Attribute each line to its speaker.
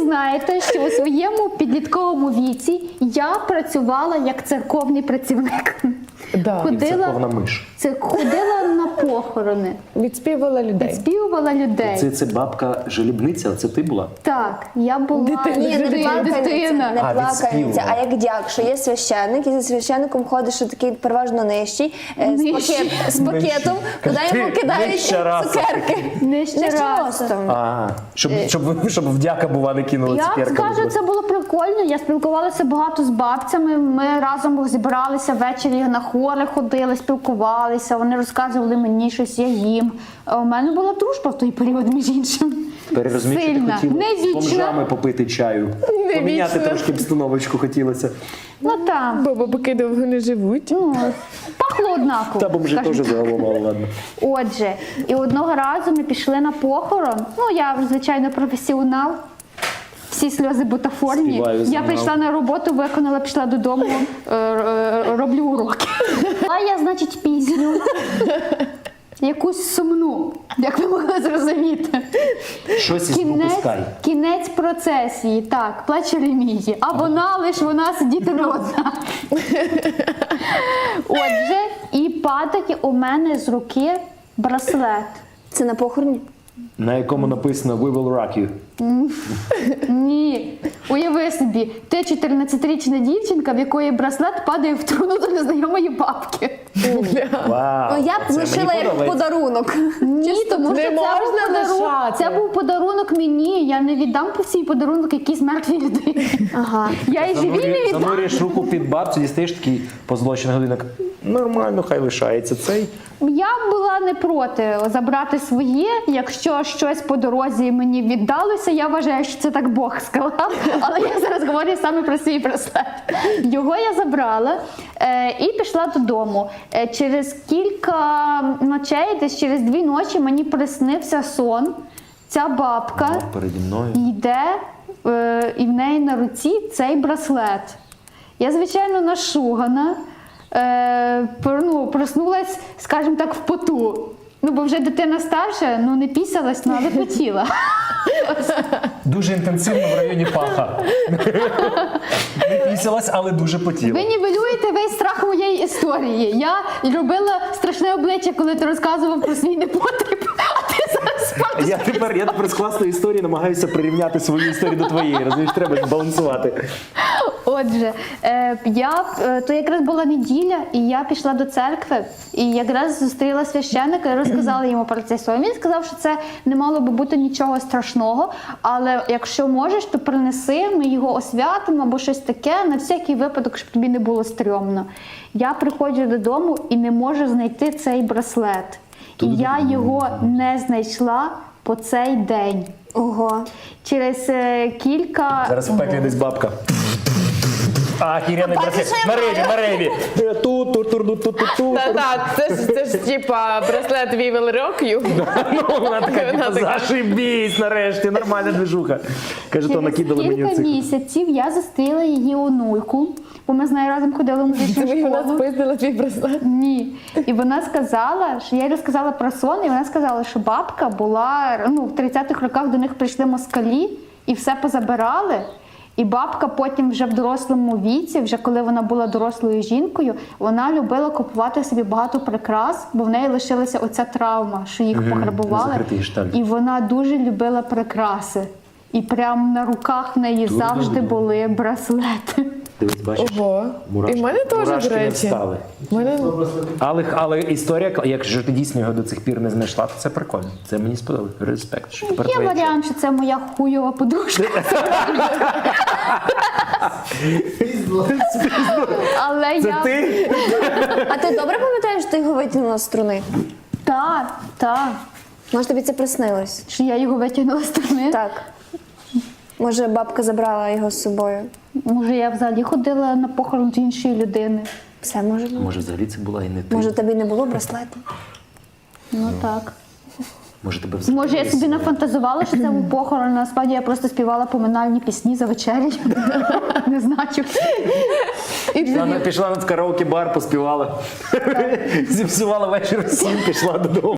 Speaker 1: знаєте, що у своєму підлітковому віці я працювала як церковний працівник.
Speaker 2: Да.
Speaker 3: Церковна миш.
Speaker 1: Ходила на похорони,
Speaker 2: Відспівала людей.
Speaker 1: співувала людей.
Speaker 3: Це бабка жалібниця, це ти була?
Speaker 1: Так, я була
Speaker 2: Дитина.
Speaker 4: Ні, не
Speaker 1: дитина.
Speaker 4: плакальниця, не
Speaker 3: А,
Speaker 4: плакальниця,
Speaker 3: відспівувала.
Speaker 4: а як дяк, що є священник, і за священником ходиш, що такий переважно нижчий,
Speaker 1: Нижчий.
Speaker 4: з пакетом, куди йому кидають
Speaker 3: нижча раса.
Speaker 4: цукерки.
Speaker 1: Нижче
Speaker 4: Нижче
Speaker 1: ростом.
Speaker 4: ростом.
Speaker 3: А, щоб вдяка бува не кинула
Speaker 1: Я
Speaker 3: цукерками.
Speaker 1: скажу, це було прикольно. Я спілкувалася багато з бабцями. Ми разом зібралися ввечері на хори, ходили, спілкувалися. Вони розказували мені щось, я їм. У мене була дружба в той період, між іншим.
Speaker 3: Тепер розумієш, що ти
Speaker 1: Сильна,
Speaker 3: хотіла
Speaker 1: не
Speaker 3: з бомжами
Speaker 1: вічна.
Speaker 3: попити чаю. Поміняти трошки обстановочку хотілося.
Speaker 1: Ну там,
Speaker 2: Бо бабуки довго не живуть.
Speaker 1: ну, пахло однаково.
Speaker 3: Та бомжі
Speaker 1: скажімо
Speaker 3: теж
Speaker 1: так.
Speaker 3: загалом, але ладно.
Speaker 1: Отже, і одного разу ми пішли на похорон. Ну, я, звичайно, професіонал. Всі сльози бутафорні.
Speaker 3: Співаю
Speaker 1: Я
Speaker 3: заново.
Speaker 1: прийшла на роботу, виконала, пішла додому, роблю уроки. А я, значить, пісню. Якусь сумну, як ви могли зрозуміти.
Speaker 3: Щось із попускай.
Speaker 1: Кінець процесії, так, плаче Ремії. А вона сидіти не одна. Отже, і падає у мене з руки браслет.
Speaker 4: Це на похороні?
Speaker 3: На якому написано «We will rock you».
Speaker 1: Ні, уяви собі, ти 14-річна дівчинка, в якої браслет падає в труну до незнайомої бабки.
Speaker 3: Вау,
Speaker 4: Ну, я б
Speaker 3: це
Speaker 4: лишила
Speaker 3: мені
Speaker 4: як
Speaker 3: подобається.
Speaker 4: подарунок.
Speaker 1: Ні, тому
Speaker 2: не
Speaker 1: що
Speaker 2: можна лишати.
Speaker 1: це був подарунок мені. Я не віддам по свій подарунок якійсь мертвій людині.
Speaker 4: Ага.
Speaker 1: Я і живій не віддам.
Speaker 3: Занурюєш руку під бабцю, дістаєш такий позлочений годинник. Нормально, хай лишається цей.
Speaker 1: Я була не проти забрати своє. Якщо щось по дорозі мені віддалося, я вважаю, що це так Бог сказав. Але я зараз говорю саме про свій браслет. Його я забрала і пішла додому. Через кілька ночей, десь через 2 ночі, мені приснився сон. Ця бабка
Speaker 3: Переді мною.
Speaker 1: йде, і в неї на руці цей браслет. Я, звичайно, нашугана. Проснулась, скажімо так, в поту. Ну, бо вже дитина старша, ну не пісялась, ну, але хотіла.
Speaker 3: Дуже інтенсивно в районі паха. Не пісялась, але дуже потіла.
Speaker 1: Ви нівелюєте весь страх моєї історії. Я робила страшне обличчя, коли ти розказував про свій непотріб, а ти зараз справді.
Speaker 3: Я тепер з класної історії намагаюся прирівняти свою історію до твоєї. Розумієш, треба збалансувати.
Speaker 1: Отже, то якраз була неділя, і я пішла до церкви, і якраз зустріла священника і розказала йому про цей сон. Він сказав, що це не мало би бути нічого страшного, але якщо можеш, то принеси, ми його освятимо або щось таке, на всякий випадок, щоб тобі не було стрьомно. Я приходжу додому і не можу знайти цей браслет. І я його не знайшла по цей день.
Speaker 4: Ого.
Speaker 1: Через кілька...
Speaker 3: Зараз в пеклі десь бабка. А, хіряний браслет. На реві. Ту-ту-ту-ту-ту-ту.
Speaker 2: Так, це ж типа браслет We will rock you.
Speaker 3: Ну, вона така,
Speaker 2: Вона
Speaker 3: типу,
Speaker 2: така.
Speaker 3: зашибісь нарешті, нормальна движуха. Каже, то
Speaker 1: Через
Speaker 3: накидали мені
Speaker 1: кілька
Speaker 3: цих.
Speaker 1: місяців я зустріла її онуйку, бо ми з нею разом ходили в музичну
Speaker 2: Тобі вона
Speaker 1: школу.
Speaker 2: спиздила твій браслет.
Speaker 1: Ні. І вона сказала, що я їй розказала про сон, і вона сказала, що бабка була, в 30-х роках до них прийшли москалі і все позабирали. І бабка потім вже в дорослому віці, вже коли вона була дорослою жінкою, вона любила купувати собі багато прикрас, бо в неї лишилася оця травма, що їх пограбували.
Speaker 3: закритий шталь.
Speaker 1: І вона дуже любила прикраси. І прямо на руках в неї завжди були браслети.
Speaker 3: Дивись, бачиш?
Speaker 2: Ого. І в мене теж,
Speaker 3: мурашки
Speaker 2: до
Speaker 3: не
Speaker 2: речі.
Speaker 3: встали.
Speaker 2: В мене...
Speaker 3: Але історія, якщо ти дійсно його до цих пір не знайшла, то це прикольно. Це мені сподобалось. Респект. Що тепер
Speaker 1: Є
Speaker 3: твоє
Speaker 1: варіант, що це моя хуйова подружка. Але
Speaker 3: Це
Speaker 1: я...
Speaker 3: ти?
Speaker 4: А ти добре пам'ятаєш, що ти його витягнула з струни?
Speaker 1: Так.
Speaker 4: Може, тобі це приснилось?
Speaker 1: Що я його витягнула з сторони.
Speaker 4: Так. Може, бабка забрала його з собою?
Speaker 1: Може, я взагалі ходила на похорон з іншої людини.
Speaker 4: Все може бути.
Speaker 3: Може, взагалі це була і не ти.
Speaker 4: Може, тобі не було браслету?
Speaker 1: Ну так.
Speaker 3: Може, тебе взагалі.
Speaker 1: Може, я собі нафантазувала, що це був похорон, а насправді я просто співала поминальні пісні за вечерею. Не знаю.
Speaker 3: Пішла на караоке-бар, поспівала. Зіпсувала вечір всім, пішла додому.